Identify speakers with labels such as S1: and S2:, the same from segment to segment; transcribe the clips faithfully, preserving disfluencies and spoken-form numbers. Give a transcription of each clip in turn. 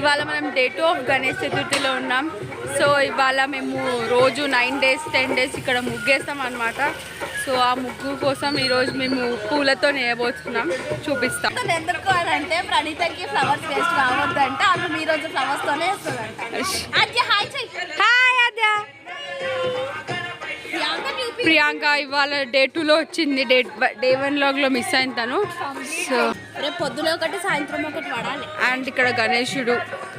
S1: ఇవాళ మనం day two of Ganesh చతుర్థిలో ఉన్నాం. సో ఇవాళ మేము రోజు నైన్ డేస్ టెన్ డేస్ ఇక్కడ ముగ్గేస్తాం అనమాట. సో ఆ ముగ్గు కోసం ఈరోజు మేము పూలతో నేయబోతున్నాం, చూపిస్తాం.
S2: ఎందుకు అని అంటే ప్రణీతకి ఫ్లవర్స్ వేస్ట్ కావద్దంటే ఆమె మీ రోజు ఫ్లవర్స్ తోనే వేస్తుందంట.
S1: ప్రియాంక ఇవాళ డే టూలో వచ్చింది, డే డే వన్ లాగ్లో మిస్ అయిన తను. సో
S2: రేపు పొద్దున ఒకటి సాయంత్రం ఒకటి పడాలి.
S1: అండ్ ఇక్కడ గణేశుడు.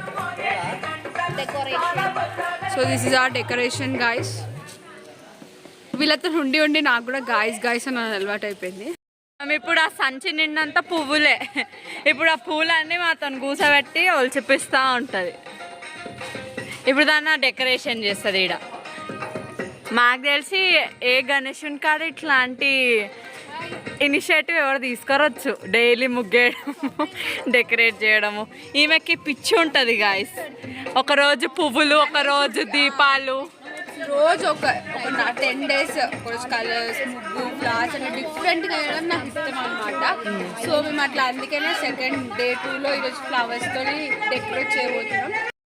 S1: So this is our decoration guys. వీళ్ళతో ఉండి ఉండి నాకు కూడా గాయస్ గాయస్ అని అలవాటు అయిపోయింది. ఇప్పుడు ఆ సంచి నిండంతా పువ్వులే. ఇప్పుడు ఆ పూలన్నీ మాతో కూసబెట్టి వాళ్ళు చెప్పిస్తూ ఉంటుంది. ఇప్పుడు దాన్ని డెకరేషన్ చేస్తుంది. ఈడ మాకు తెలిసి ఏ గణేశుని కాడ ఇట్లాంటి ఇనిషియేటివ్ ఎవరు తీసుకురొచ్చు. డైలీ ముగ్గేయడము, డెకరేట్ చేయడము. ఈమెకి పిచ్చి ఉంటుంది గాయస్. ఒకరోజు పువ్వులు, ఒకరోజు దీపాలు, రోజు ఒక ఒక టెన్ డేస్ రోజు కలర్స్, ముగ్గు, ఫ్లవర్స్ అని డిఫరెంట్గా వేయడం నాకు ఇష్టం అనమాట. సో మేము అట్లా అందుకనే సెకండ్ డే టూలో ఈరోజు ఫ్లవర్స్తో డెకరేట్ చేయబోతున్నాం.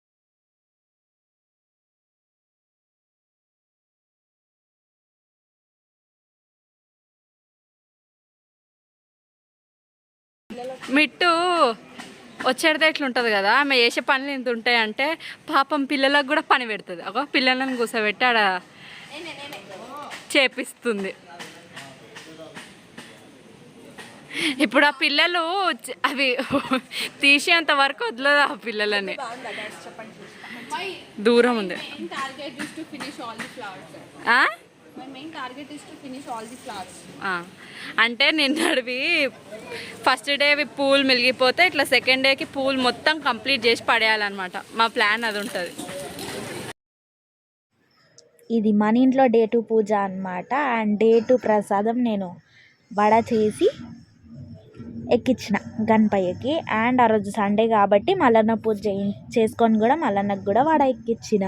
S1: మిట్టు వచ్చేది ఎట్లుంటుంది కదా, ఆమె చేసే పనులు ఇంత ఉంటాయంటే పాపం పిల్లలకు కూడా పని పెడుతుంది. ఒక పిల్లలను కూర్చోబెట్టి ఆడ చేపిస్తుంది. ఇప్పుడు ఆ పిల్లలు అవి తీసేంత వరకు వదలదు ఆ పిల్లలని. దూరం ఉంది. అంటే నిన్నడివి ఫస్ట్ డే పూలు మిలిగిపోతే ఇట్లా సెకండ్ డేకి పూలు మొత్తం కంప్లీట్ చేసి పడేయాలన్నమాట. మా ప్లాన్ అది ఉంటుంది.
S3: ఇది మన ఇంట్లో డే టూ పూజ అనమాట. అండ్ డే టూ ప్రసాదం నేను వడ చేసి ఎక్కించిన గణపయ్యకి. అండ్ ఆ రోజు సండే కాబట్టి మల్లన్న పూజ చేసుకొని కూడా మల్లన్నకు కూడా వడ ఎక్కించిన.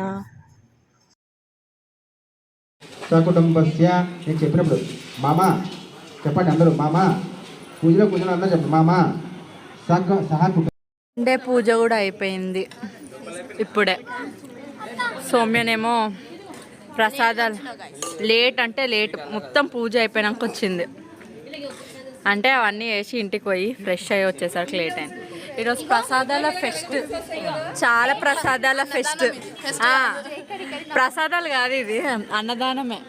S4: సకుటుంబస్య నేను చెప్పినప్పుడు మామ చెప్పండి అందరూ, మామ పూజలో పూజలో అందరూ చెప్పండి మామ సహ సహా
S1: సండే పూజ కూడా అయిపోయింది ఇప్పుడే. సౌమ్యనేమో ప్రసాదాలు లేట్ అంటే లేట్, మొత్తం పూజ అయిపోయినాక వచ్చింది. అంటే అవన్నీ వేసి ఇంటికి పోయి ఫ్రెష్ అయ్యి వచ్చేసరికి లేట్ అయింది. ఈరోజు ప్రసాదాల ఫెస్ట్, చాలా ప్రసాదాల ఫెస్ట్. ప్రసాదాలు కాదు, ఇది అన్నదానమే.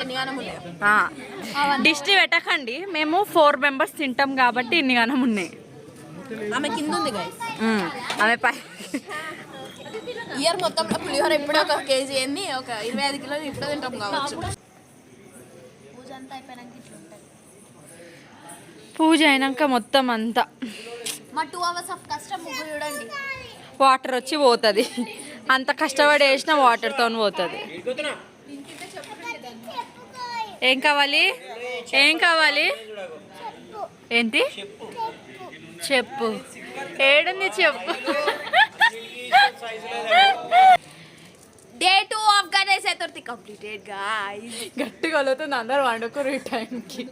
S1: దిష్టి పెట్టకండి, మేము ఫోర్ మెంబర్స్ తింటాం కాబట్టి ఇన్ని గనం ఉన్నాయి.
S2: ఆమె కింద ఉంది
S1: ఆమె పై
S2: ఇయర్ మొత్తం పులిహోర ఇప్పుడే ఒక కేజీ ఏంది, ఒక ఇరవై ఐదు కిలోలు ఇప్పుడు తింటాం కావచ్చు. పూజ అంతా అయిపోయినాక
S1: పూజ అయినాక మొత్తం అంతా
S2: మా టూ అవర్స్ ఆఫ్ కష్టం ముగ్గు చూడండి.
S1: వాటర్ వచ్చి పోతుంది. అంత కష్టపడి వేసిన వాటర్తో పోతుంది. ఏం కావాలి, ఏం కావాలి, ఏంటి చెప్పు, ఏడుంది చెప్పు.
S2: Day two of Ganesh Chaturthi completed guys.
S1: గట్టిగా వెళ్తుంది, అందరు వండుకోరు ఈ టైంకి.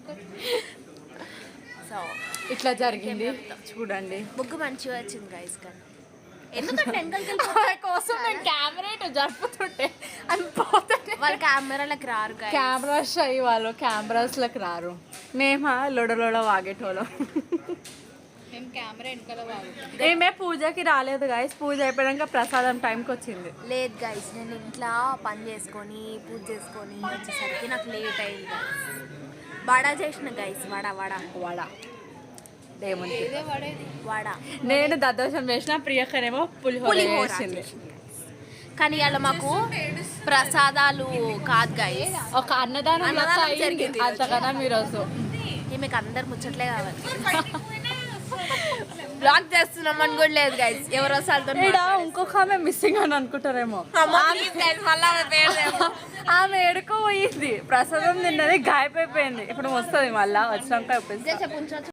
S1: సో ఇట్లా జరిగింది చూడండి.
S2: ముగ్గు మంచిగా వచ్చింది గాయ్స్. కానీ ఎందుకంటే
S1: కోసం నేను కెమెరా ఇటు జరుపుతుంటే అని పోతుంటే
S2: వాళ్ళు కెమెరాలకు రారు.
S1: కెమెరాస్ అయ్యి వాళ్ళు కెమెరాస్లకు రారు. మేమా లొడలోడ వాగేటోళ్ళం. మేము కెమెరా వెనకాల వాగుతాం. ఏమే పూజకి రాలేదు గాయస్. పూజ అయిపోయాక ప్రసాదం టైంకి వచ్చింది.
S2: లేదు గాయస్, నేను ఇంట్లో పని చేసుకొని పూజ చేసుకొని వచ్చేసరికి నాకు లేట్ అయింది గాయస్. వడ చేసిన గైస్, వడ వడ
S1: వడ ఏముంది
S2: వడ.
S1: నేను దద్దోషం వేసిన, ప్రియకనేమో పులిహోర వేసింది.
S2: కానీ అలా మాకు ప్రసాదాలు కాదు గైస్,
S1: ఒక అన్నదానం జరిగింది. అంతకన్నా ఈరోజు
S2: మీకు అందరు ముచ్చట్లే కావాలి. బ్లాక్ చేస్తున్నాం అని కూడా లేదు గైస్. ఎవరు వస్తారో
S1: ఇంకొక ఆమె మిస్సింగ్ అని అనుకుంటారేమో. ఆమె ఎడుకో పోయింది, ప్రసాదం తిన్నది, గాయపైపోయింది. ఇప్పుడు వస్తుంది మళ్ళా, వచ్చినాక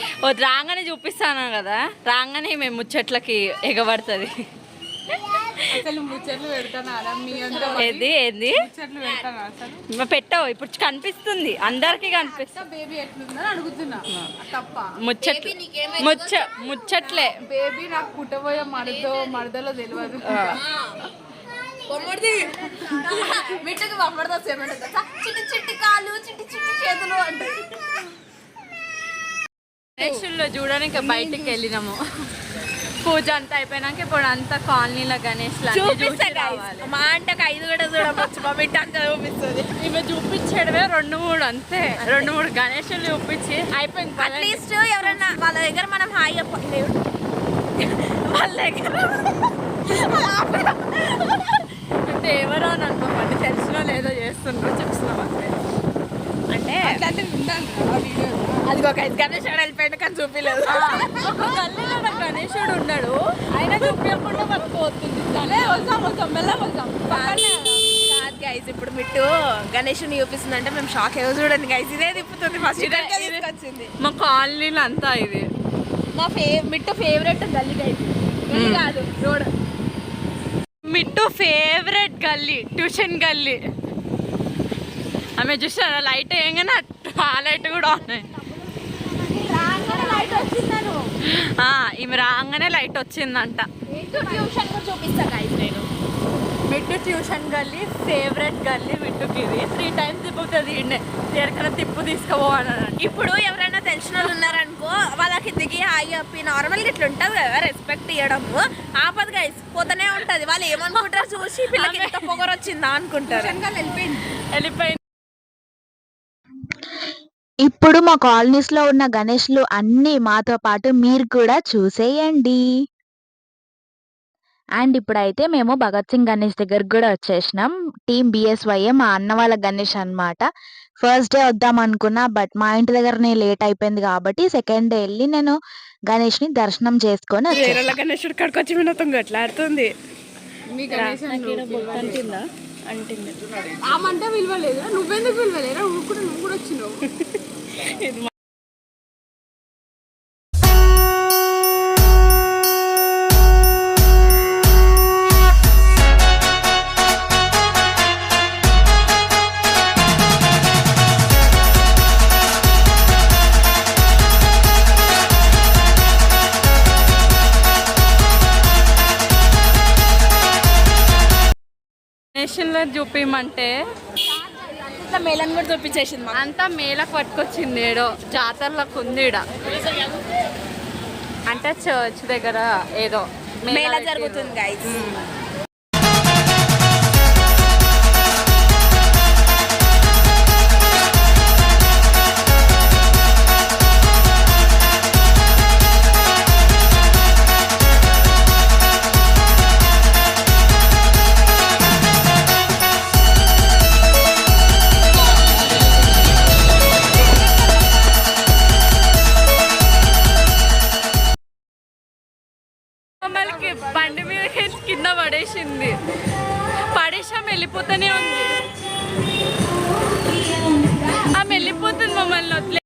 S1: రాగానే చూపిస్తాను కదా. రాగానే మేము ముచ్చట్లకి ఎగబడుతుంది. అసలు ముచ్చట్లు పెడతానా మీ అందరూ
S5: ఏది ఏది
S1: ముచ్చట్లు పెడతానా అసలు
S5: పెట్టావు ఇప్పుడు కనిపిస్తుంది అందరికి కనిపిస్తుంది
S1: బేబీ ఎట్లుందని అడుగుతున్నా తప్ప
S5: ముచ్చట్లు ముచ్చ ముచ్చట్లే
S1: బేబీ నాకు పుట్టబోయే మరదో మరదలో తెలియదు
S2: బొమ్మడిది మిట్టుకు బొమ్మడితో సేమంట చిట్టి చిట్టి కాళ్ళు చిట్టి చిట్టి చేతులు అంటారు.
S5: గణేషుల్లో చూడడానికి బయటికి వెళ్ళినాము పూజ అంతా అయిపోయినాక ఇప్పుడు అంతా కాలనీలో గణేష్
S2: మా అంటకు ఐదు కూడా చూడవచ్చు మా బిడ్డ అంతా చూపిస్తుంది.
S5: ఇవి చూపించడమే రెండు మూడు అంతే రెండు మూడు గణేషులు చూపించి అయిపోయింది
S2: అట్లీస్ట్ ఎవరన్నా వాళ్ళ దగ్గర మనం హాయి చెప్పండి వాళ్ళ దగ్గర
S5: అంటే ఎవరో అని అనుకోమండి తెలిసినో లేదో చేస్తుండ్రో చూస్తున్నాం అంతే అంటే
S2: అది ఒక ఐదు గణేష్ వెళ్ళిపోయింది కానీ చూపించలేదు.
S5: ఒక గల్లీలో నాకు గణేశుడు ఉన్నాడు ఆయన చూపించకుండా మనకు పోతుంది
S1: వస్తాం వస్తాం మెల్ల వస్తాం
S2: కాదు గైస్ ఇప్పుడు మిట్టు గణేషుని చూపిస్తుంది అంటే మేము షాక్ ఏదో చూడండి గైస్ ఇదే తిప్పుతుంది ఫస్ట్ వచ్చింది.
S5: మా కాలనీలో అంతా ఇది
S2: మా ఫే మిట్టు ఫేవరెట్ గల్లీ గైస్ కాదు రోడ్
S5: మిట్టు ఫేవరెట్ గల్లీ ట్యూషన్ గల్లీ ఆమె చూసారా లైట్ వేయగానే ఆ లైట్ కూడా ఉన్నాయి ఈమె రాగానే లైట్ వచ్చిందంట.
S2: ట్యూషన్ కూడా చూపిస్తా గైస్ నేను
S5: మిట్టు ట్యూషన్ గల్లీ ఫేవరెట్ గల్లీ మిట్టుకి ఇది త్రీ టైమ్స్ తిప్పుతుంది ఈయనే ఎక్కడైనా తిప్పు తీసుకుపోవాలని.
S2: ఇప్పుడు ఎవరైనా తెలిసిన వాళ్ళు ఉన్నారనుకో వాళ్ళకి దిగి హాయి చెప్పి నార్మల్గా ఇట్లా ఉంటుంది కదా రెస్పెక్ట్ ఇవ్వడము ఆపదు గైస్ పోతూనే ఉంటది. వాళ్ళు ఏమనుకుంటారు చూసి పిల్లకి ఎంత పొగరు వచ్చిందా అనుకుంటారు.
S1: వెళ్ళిపోయింది
S5: వెళ్ళిపోయింది
S3: ఇప్పుడు మా కాలనీస్లో ఉన్న గణేష్లు అన్నీ మాతో పాటు మీరు కూడా చూసేయండి. అండ్ ఇప్పుడైతే మేము భగత్ సింగ్ గణేష్ దగ్గరకు కూడా వచ్చేసినాం. టీమ్ బిఎస్వైఏ మా అన్న వాళ్ళ గణేష్ అనమాట. ఫస్ట్ డే వద్దాం అనుకున్నా బట్ మా ఇంటి దగ్గరనే లేట్ అయిపోయింది కాబట్టి సెకండ్ డే వెళ్ళి నేను గణేష్ని దర్శనం చేసుకొని వచ్చేసాను.
S5: గణేశుడు కడుకు వచ్చి వినోతం గట్లాడుతుంది
S1: మీ గణేశం
S5: అంటిందా అంటింది
S1: ఆమంటే విలువలేదు నువ్వెందుకు విలువలేరా నువ్వు కూడా నువ్వు కూడా వచ్చినావు.
S5: నేషన్లో చూపించమంటే
S2: ఇట్లా మేళను కూడా చూపించేసింది మాకు.
S5: అంతా మేళకు పట్టుకొచ్చింది ఏడో జాతరలకు ఉంది ఈడ అంటే చర్చ్ దగ్గర ఏదో
S2: మేళ జరుగుతుంది గైస్.
S5: మమ్మల్ని బండి మీద కింద పడేసింది పడేసాం వెళ్ళిపోతూనే ఉంది ఆమె వెళ్ళిపోతుంది మమ్మల్ని వదిలే.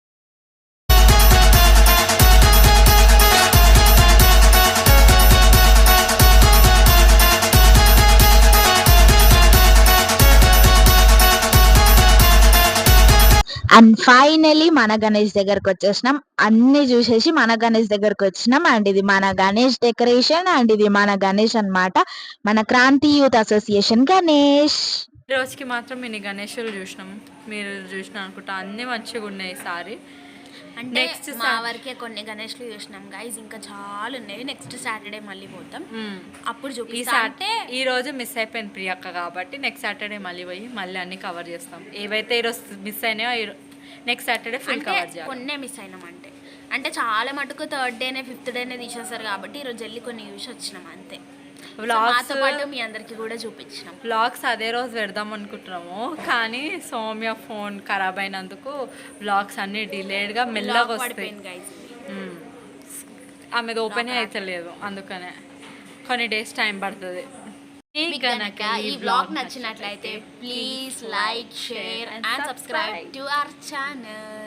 S3: అండ్ ఫైనలీ మన గణేష్ దగ్గరకు వచ్చేసినాం. అన్ని చూసేసి మన గణేష్ దగ్గరకు వచ్చినాం. అండ్ ఇది మన గణేష్ డెకరేషన్ అండ్ ఇది మన గణేష్ అన్నమాట. మన క్రాంతి యూత్ అసోసియేషన్ గణేష్.
S5: రోజుకి మాత్రం మినీ గణేషులు చూసినాం మీరు చూసిన అనుకుంటా అన్ని మంచిగా ఉన్నాయి ఈసారి.
S2: అంటే
S5: నెక్స్ట్
S2: మా వరకే కొన్ని గణేష్లు చూసినాం గైస్ ఇంకా చాలా ఉన్నాయి. నెక్స్ట్ సాటర్డే మళ్ళీ పోతాం అప్పుడు
S5: ఈ
S2: చూపిస్తా. అంటే
S5: ఈ రోజు మిస్ అయిపోయింది ప్రియాక్క కాబట్టి నెక్స్ట్ సాటర్డే మళ్ళీ పోయి మళ్ళీ అన్ని కవర్ చేస్తాం. ఏవైతే ఈరోజు మిస్ అయినాయో నెక్స్ట్ సాటర్డే ఫుల్ కవర్ చేయాలి.
S2: కొన్నే మిస్ అయినాం అంటే అంటే చాలా మటుకు థర్డ్ డేనే ఫిఫ్త్ డేనే తీసేస్తారు కాబట్టి ఈరోజు వెళ్ళి కొన్ని చూసి వచ్చినాం అంతే. మాతో పాటు మీ అందరికి కూడా చూపించినాం.
S5: వ్లాగ్స్ అదే రోజు పెడదాం అనుకుంటున్నాము కానీ సౌమ్య ఫోన్ ఖరాబ్ అయినందుకు వ్లాగ్స్ అన్ని డిలేడ్గా మెల్లగా వస్తాయి. ఆమెది ఓపెన్ అవుతలేదు అందుకనే కొన్ని డేస్ టైం పడుతుంది.
S2: కనుక ఈ వ్లాగ్ నచ్చినట్లయితే please like share and subscribe to our channel.